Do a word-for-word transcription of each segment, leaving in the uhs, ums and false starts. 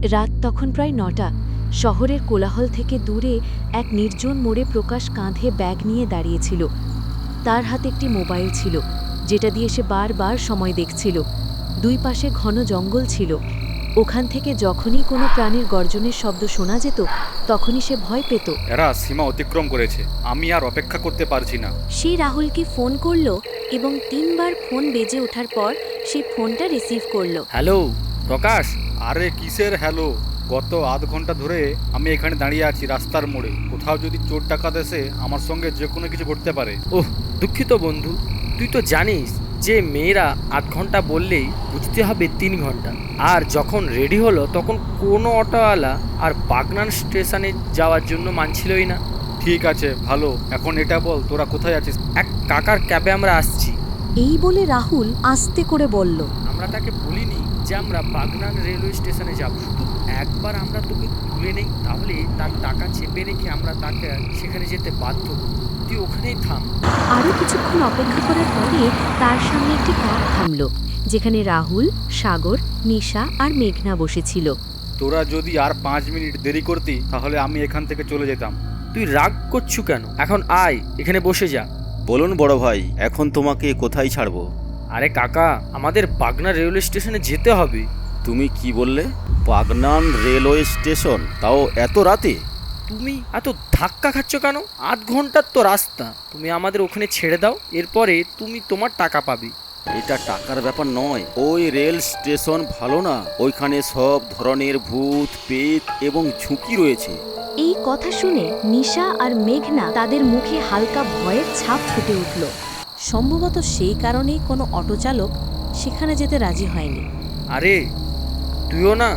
রাত তখন প্রায় নটা। শহরের কোলাহল থেকে দূরে এক নির্জন মোড়ে প্রকাশ কাঁধে ব্যাগ নিয়ে দাঁড়িয়েছিল। তার হাতে একটি মোবাইল ছিল, যেটা দিয়ে সে বারবার সময় দেখছিল। দুই পাশে ঘন জঙ্গল ছিল। ওখান থেকে যখনই কোনো প্রাণীর গর্জনের শব্দ শোনা যেত, তখনই সে ভয় পেত। এরা সীমা অতিক্রম করেছে, আমি আর অপেক্ষা করতে পারছি না। সে রাহুলকে ফোন করল এবং তিনবার ফোন বেজে ওঠার পর সে ফোনটা রিসিভ করল। হ্যালো প্রকাশ। আরে কিসের হ্যালো? গত আধ ঘন্টা ধরে আমি এখানে দাঁড়িয়ে আছি রাস্তার মোড়ে। কোথাও যদি চোর ডাকাত এসে আমার সঙ্গে যে কোনো কিছু ঘটতে পারে। ওহ দুঃখিত বন্ধু, তুই তো জানিস যে মেয়েরা আধ ঘন্টা বললেই বুঝতে হবে তিন ঘন্টা। আর যখন রেডি হলো তখন কোনো অটোওয়ালা আর বাগনান স্টেশনে যাওয়ার জন্য মানছিলই না। ঠিক আছে, ভালো। এখন এটা বল, তোরা কোথায় আছিস? এক কাকার ক্যাবে আমরা আসছি। এই বলে রাহুল আস্তে করে বলল, আমরা তাকে বলিনি যে আমরা বাগনান রেলওয়ে স্টেশনে যাব, শুধু একবার আমরা তোকে তুলে নেই, তাহলে তার টাকা চেপে রেখে আমরা তাকে সেখানে যেতে বাধ্য করব। তুই ওখানেই থাম। আরও কিছুক্ষণ অপেক্ষা করার পরে তার সামনে একটি ক্যাব থামল, যেখানে রাহুল, সাগর, নিশা আর মেঘনা বসেছিল। তোরা যদি আর পাঁচ মিনিট দেরি করতি তাহলে আমি এখান থেকে চলে যেতাম। তুই রাগ করছু কেন? এখন আয়, এখানে বসে যা। বলুন বড় ভাই, এখন তোমাকে কোথায় ছাড়বো? আরে কাকা, আমাদের বাগনা রেলওয়ে স্টেশনে যেতে হবে। তুমি কি বললে? বাগনান রেলওয়ে স্টেশন, তাও এত রাতে? তুমি এত ধাক্কা খাচ্ছ কেন? আধ ঘন্টার তো রাস্তা, তুমি আমাদের ওখানে ছেড়ে দাও, এরপরে তুমি তোমার টাকা পাবে। এটা টাকার ব্যাপার নয়। ওই রেল স্টেশন ভালো না, ওইখানে সব ধরনের ভূত, পেত এবং ঝুঁকি রয়েছে। এই কথা শুনে নিশা আর মেঘনা তাদের মুখে হালকা ভয়ের ছাপ ফুটে উঠল। সম্ভবত সেই কারণেই কোনো অটোচালক সেখানে যেতে রাজি হয়নি। আরে তুইও না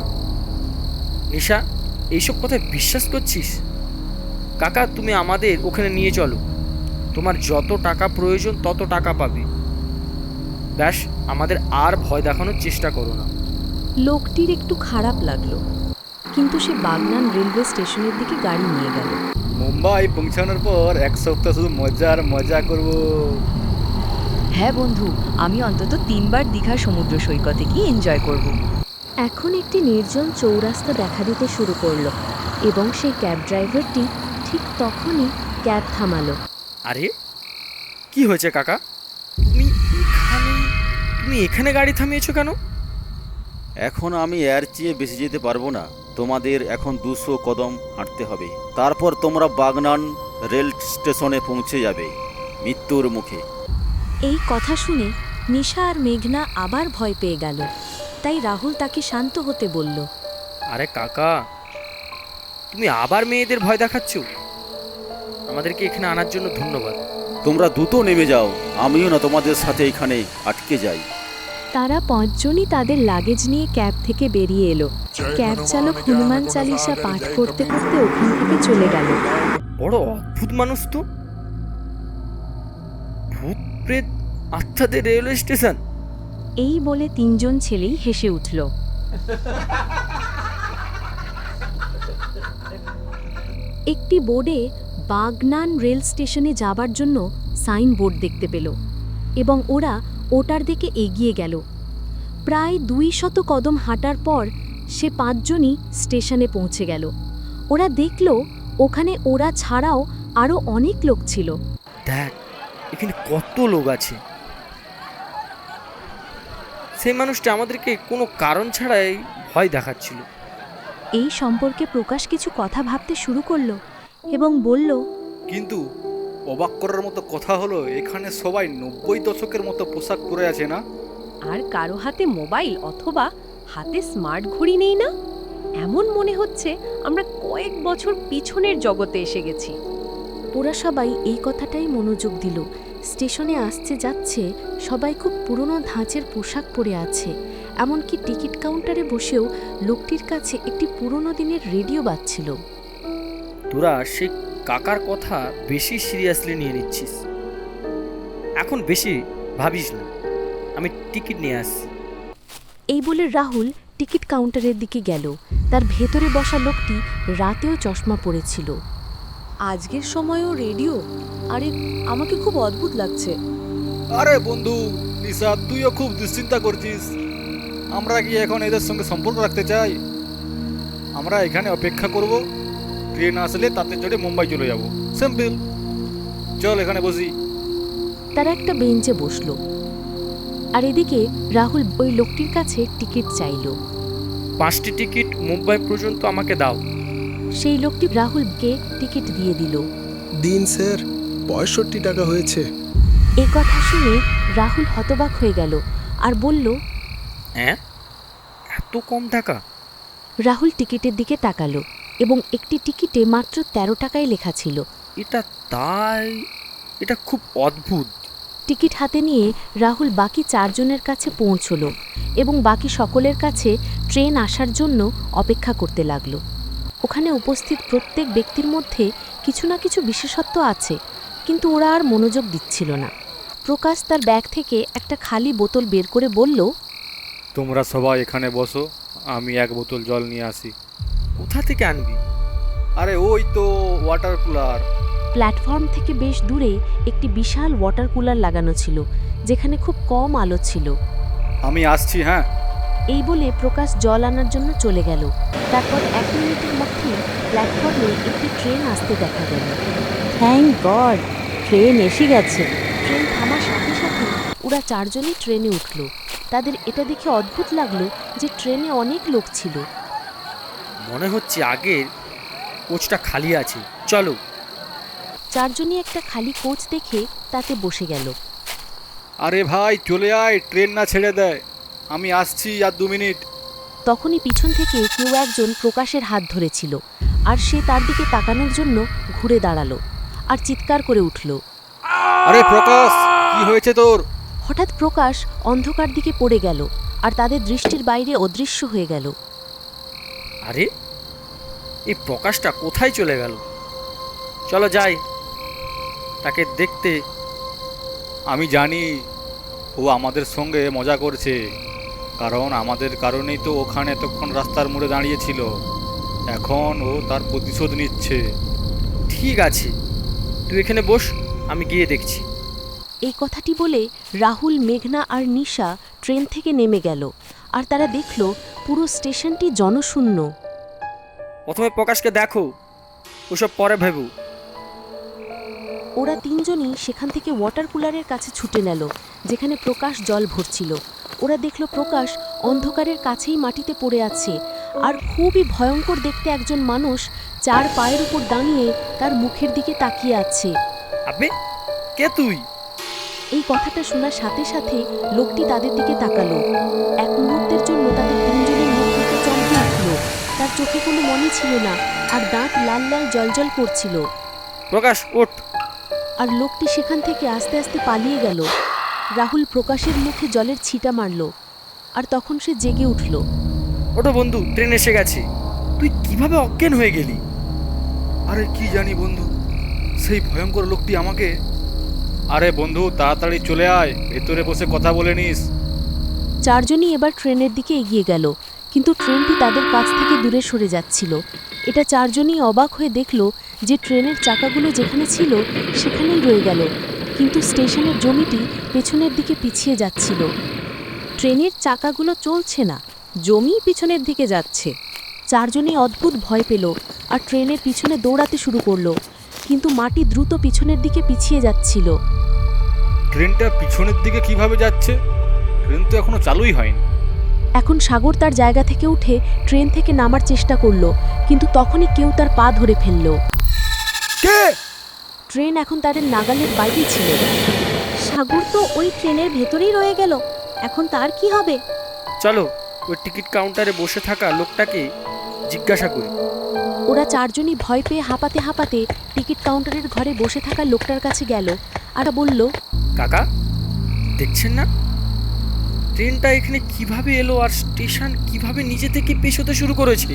নিশা এইসব কথায় বিশ্বাস করছিস? কাকা, তুমি আমাদের ওখানে নিয়ে চলো, তোমার যত টাকা প্রয়োজন তত টাকা পাবে। ব্যাস, আমাদের আর ভয় দেখানোর চেষ্টা করো না। লোকটির একটু খারাপ লাগলো, কিন্তু সে বাগনান রেলওয়ে স্টেশনের দিকে গাড়ি নিয়ে গেল। মুম্বাই পৌঁছানোর পর এক সপ্তাহ শুধু মজা আর মজা করব। হ্যাঁ বন্ধু, আমি অন্তত তিনবার দীঘার সমুদ্র সৈকতে গিয়ে এনজয় করব। এখন একটি নির্জন চৌরাস্তা দেখা দিতে শুরু করলো এবং সেই ক্যাব ড্রাইভারটি ঠিক তখনই ক্যাব থামালো। আরে কি হয়েছে কাকা? তুমি এখানে তুমি এখানে গাড়ি থামিয়েছো কেন? এখন আমি এর চেয়ে বেশি যেতে পারবো না। তোমাদের এখন দুশো কদম হাঁটতে হবে, তারপর তোমরা বাগনান রেল স্টেশনে পৌঁছে যাবে মৃত্যুর মুখে। এই কথা শুনে নিশা আর মেঘনা আবার ভয় পেয়ে গেল। তাই রাহুল তাকে শান্ত হতে বলল। আরে কাকা, তুমি আবার মেয়েদের ভয় দেখাচ্ছ? আমাদেরকে এখানে আনার জন্য ধন্যবাদ। তোমরা দ্রুত নেমে যাও, আমিও না তোমাদের সাথে এখানে আটকে যাই। তারা পাঁচজনই তাদের লাগেজ নিয়ে ক্যাব থেকে বেরিয়ে এলো। ক্যাব চালক হনুমান চালিসা পাঠ করতে করতে ওখান থেকে চলে গেল। বড় অদ্ভুত মানুষ তো। ভূত প্রেত আত্মাদের রেলওয়ে স্টেশন। এই বলে তিনজন ছেলেই হেসে উঠল। একটি বোর্ডে বাগনান রেল স্টেশনে যাবার জন্য সাইন বোর্ড দেখতে পেল এবং ওরা ওটার দিকে এগিয়ে গেল। প্রায় দুই শত কদম হাঁটার পর সে পাঁচজনই স্টেশনে পৌঁছে গেল। ওরা দেখল ওখানে ওরা ছাড়াও আরও অনেক লোক ছিল। দেখ, এখানে কত লোক আছে। সেই মানুষটা আমাদেরকে কোনো কারণ ছাড়াই ভয় দেখাচ্ছিল। এই সম্পর্কে প্রকাশ কিছু কথা ভাবতে শুরু করলো এবং বলল, কিন্তু অবাক করার মতো কথা হলো, এখানে সবাই নব্বই দশকের মতো পোশাক পরে আছে না? আর কারো হাতে মোবাইল অথবা হাতে স্মার্ট ঘড়ি নেই না? এমন মনে হচ্ছে আমরা কয়েক বছর পিছনের জগতে এসে গেছি। ওরা সবাই এই কথাটাই মনোযোগ দিল। স্টেশনে আসছে যাচ্ছে সবাই খুব পুরনো ধাঁচের পোশাক পরে আছে। এমনকি টিকিট কাউন্টারে বসেও লোকটির কাছে একটি পুরনো দিনের রেডিও বাজছিল। তোরা সেই কাকার কথা বেশি সিরিয়াসলি নিয়ে নিচ্ছিস। এখন বেশি ভাবিস না, আমি টিকিট নিয়ে আসছি। এই বলে রাহুল টিকিট কাউন্টারের দিকে গেল। তার ভেতরে বসা লোকটি রাতেও চশমা পরেছিল। আজকের সময়ও রেডিও? আরে আমাকে খুব অদ্ভুত লাগছে। আরে বন্ধু নিশা, তুইও খুব দুশ্চিন্তা করছিস। আমরা কি এখন এদের সঙ্গে সম্পর্ক রাখতে চাই? আমরা এখানে অপেক্ষা করব, ট্রেন আসলে তাতে চড়ে মুম্বাই চলে যাব। সিম্পল। চল এখানে বসি। তারা একটা বেঞ্চে বসলো, আর এদিকে রাহুল ওই লোকটির কাছে টিকিট চাইল। পাঁচটি টিকিট মুম্বাই পর্যন্ত আমাকে দাও। সেই লোকটি রাহুলকে টিকিট দিয়ে দিল। দিন স্যার, পঁয়ষট্টি টাকা হয়েছে। এ কথা শুনে রাহুল হতবাক হয়ে গেল আর বলল, হ্যাঁ, এত কম টাকা? রাহুল টিকিটের দিকে তাকালো এবং একটি টিকিটে মাত্র তেরো টাকায় লেখা ছিল। এটা তাই? এটা খুব অদ্ভুত। টিকিট হাতে নিয়ে রাহুল বাকি চারজনের কাছে পৌঁছলো এবং বাকি সকলের কাছে ট্রেন আসার জন্য অপেক্ষা করতে লাগলো। ওখানে উপস্থিত প্রত্যেক ব্যক্তির মধ্যে কিছু না কিছু বিশেষত্ব আছে, কিন্তু ওরা আর মনোযোগ দিচ্ছিল না। প্রকাশ তার ব্যাগ থেকে একটা খালি বোতল বের করে বলল, তোমরা সবাই এখানে বসো, আমি এক বোতল জল নিয়ে আসি। কোথা থেকে আনবি? আরে ওই তো ওয়াটার কুলার। প্ল্যাটফর্ম থেকে বেশ দূরে একটি বিশাল ওয়াটার কুলার লাগানো ছিল, যেখানে খুব কম আলো ছিল। আমি আসছি। হ্যাঁ। এই বলে প্রকাশ জল আনার জন্য চলে গেল। তারপর এক মিনিটের মধ্যেই প্ল্যাটফর্মে একটি ট্রেন আসতে দেখা গেল। থ্যাংক গড, ট্রেন এসে গেছে। ট্রেন থামার সাথে সাথে ওরা চারজনই ট্রেনে উঠল। তাদের এটা দেখে অদ্ভুত লাগলো যে ট্রেনে অনেক লোক ছিল। মনে হচ্ছে আগের কোচটা খালি আছে, চলো। চারজনই একটা খালি কোচ দেখে তাতে বসে গেল। আরে ভাই চলে আয়, ট্রেন না ছেড়ে দেয়। আমি আসছি আর দু মিনিট। তখনই পিছন থেকে কেউ একজন প্রকাশের হাত ধরেছিল, আর সে তার দিকে তাকানোর জন্য ঘুরে দাঁড়ালো আর চিৎকার করে উঠল। আরে প্রকাশ, কি হয়েছে তোর? হঠাৎ প্রকাশ অন্ধকার দিকে পড়ে গেল আর তাদের দৃষ্টির বাইরে অদৃশ্য হয়ে গেল। আরে এই প্রকাশটা কোথায় চলে গেল? চলো যাই তাকে দেখতে। আমি জানি ও আমাদের সঙ্গে মজা করছে, কারণ আমাদের কারণেই তো ওখানে এতক্ষণ রাস্তার মোড়ে দাঁড়িয়েছিল। এখন ও তার প্রতিশোধ নিচ্ছে। ঠিক আছে, তুই এখানে বস, আমি গিয়ে দেখছি। এই কথাটি বলে রাহুল, মেঘনা আর নিশা ট্রেন থেকে নেমে গেল, আর তারা দেখল পুরো স্টেশনটি জনশূন্য। প্রথমে প্রকাশকে দেখো, ওসব পরে ভেবো। ওরা তিনজনই সেখান থেকে ওয়াটার কুলারের কাছে ছুটে গেল, যেখানে প্রকাশ জল ভরছিল। ওরা দেখল প্রকাশ অন্ধকারের কাছেই মাটিতে পড়ে আছে, আর খুবই ভয়ঙ্কর দেখতে একজন মানুষ চার পায়ের উপর দাঁড়িয়ে তার মুখের দিকে তাকিয়ে আছে। আবে, কে তুই? এই কথাটা শোনার সাথে সাথে লোকটি তাদের দিকে তাকালো। এক মুহূর্তের জন্য তাদের তিনজনের মুখ থেকে চমকে উঠল। তার চোখে কোনো মনে ছিল না, আর দাঁত লাল লাল জলজল করছিল। প্রকাশ, ওঠ। আর লোকটি সেখান থেকে আস্তে আস্তে পালিয়ে গেল। রাহুল প্রকাশের মুখে জলের ছিটা মারল, আর তখন সে জেগে উঠল। ওঠো বন্ধু, ট্রেন এসে গেছে। তুই কিভাবে অজ্ঞান হয়ে গেলি? আরে কি জানি বন্ধু, সেই ভয়ঙ্কর লোকটি আমাকে... আরে বন্ধু, তাড়াতাড়ি চলে আয়, ভেতরে বসে কথা বলে নিস। চারজনই এবার ট্রেনের দিকে এগিয়ে গেল, কিন্তু ট্রেনটি তাদের কাছ থেকে দূরে সরে যাচ্ছিল। এটা চারজনই অবাক হয়ে দেখল যে ট্রেনের চাকাগুলো যেখানে ছিল সেখানেই রয়ে গেল, কিন্তু স্টেশনের জমিটি পেছনের দিকে পিছিয়ে যাচ্ছিল। ট্রেনের চাকাগুলো চলছে না, জমি পিছনের দিকে যাচ্ছে। চারজনই অদ্ভুত ভয় পেল আর ট্রেনের পিছনে দৌড়াতে শুরু করলো, কিন্তু মাটি দ্রুত পিছনের দিকে পিছিয়ে যাচ্ছিল। ট্রেনটা পিছনের দিকে কিভাবে যাচ্ছে? ট্রেন তো এখনো চালুই হয়নি। এখন সাগর তার জায়গা থেকে উঠে ট্রেন থেকে নামার চেষ্টা করলো, কিন্তু তখনই কেউ তার পা ধরে ফেলল। কে? ট্রেন এখন তাদের নাগালের বাইরে ছিল। সাগর তো ওই ট্রেনের ভেতরেই রয়ে গেল, এখন তার কি হবে? চলো ওই টিকিট কাউন্টারে বসে থাকা লোকটাকে জিজ্ঞাসা করি। ওরা চারজনই ভয় পেয়ে হাঁপাতে হাঁপাতে টিকিট কাউন্টারের ঘরে বসে থাকা লোকটার কাছে গেল আর বলল, কাকা, দেখছেন না ট্রেনটা এখানে কিভাবে এলো আর স্টেশন কিভাবে নিজে থেকে পেছোতে শুরু করেছে?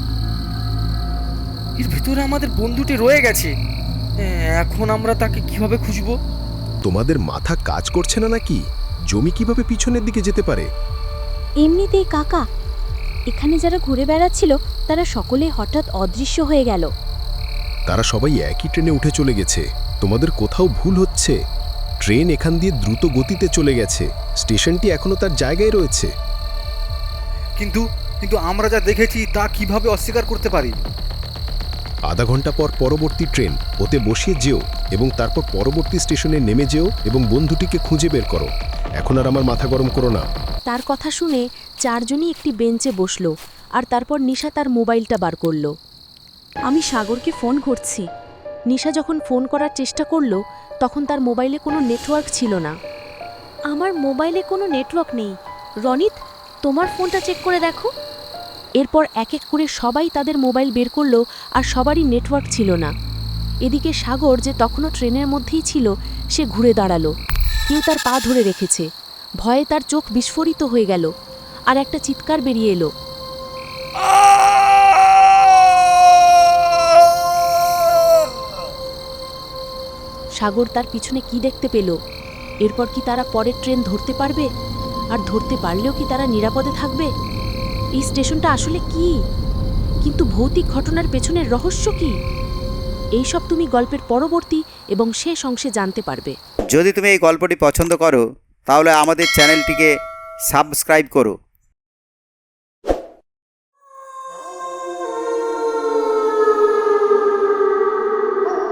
এর ভেতরে আমাদের বন্ধুটি রয়ে গেছে। এখন আমরা তাকে কিভাবে খুঁজবো? তোমাদের মাথা কাজ করছে না নাকি? জমি কিভাবে পিছনের দিকে যেতে পারে? এমনিতেই কাকা, এখানে যারা ঘুরে বেড়াচ্ছিল তারা সকলে হঠাৎ অদৃশ্য হয়ে গেল। তারা সবাই একই ট্রেনে উঠে চলে গেছে। তোমাদের কোথাও ভুল হচ্ছে। ট্রেন এখান দিয়ে দ্রুত গতিতে চলে গেছে, স্টেশনটি এখনো তার জায়গায় রয়েছে। কিন্তু কিন্তু আমরা যা দেখেছি তা কিভাবে অস্বীকার করতে পারি? আধা ঘন্টা পর পরবর্তী ট্রেন ওতে বসিয়ে যেও এবং তারপর পরবর্তী স্টেশনে নেমে যেও এবং বন্ধুটিকে খুঁজে বের করো। এখন আর আমার মাথা গরম করো না। তার কথা শুনে চারজনই একটি বেঞ্চে বসলো আর তারপর নিশা তার মোবাইলটা বার করলো। আমি সাগরকে ফোন করছি। নিশা যখন ফোন করার চেষ্টা করলো তখন তার মোবাইলে কোনো নেটওয়ার্ক ছিল না। আমার মোবাইলে কোনো নেটওয়ার্ক নেই। রনিত, তোমার ফোনটা চেক করে দেখো। এরপর এক এক করে সবাই তাদের মোবাইল বের করলো আর সবারই নেটওয়ার্ক ছিল না। এদিকে সাগর, যে তখনও ট্রেনের মধ্যেই ছিল, সে ঘুরে দাঁড়ালো। কেউ তার পা ধরে রেখেছে। ভয়ে তার চোখ বিস্ফোরিত হয়ে গেল আর একটা চিৎকার বেরিয়ে এলো। সাগর তার পিছনে কি দেখতে পেল? এরপর কি তারা পরের ট্রেন ধরতে পারবে? আর ধরতে পারলেও কি তারা নিরাপদে থাকবে? এই স্টেশনটা আসলে কি? কিন্তু ভৌতিক ঘটনার পেছনের রহস্য কি? এইসব তুমি গল্পের পরবর্তী এবং শেষ অংশে জানতে পারবে। যদি তুমি এই গল্পটি পছন্দ করো তাহলে আমাদের চ্যানেলটিকে সাবস্ক্রাইব করো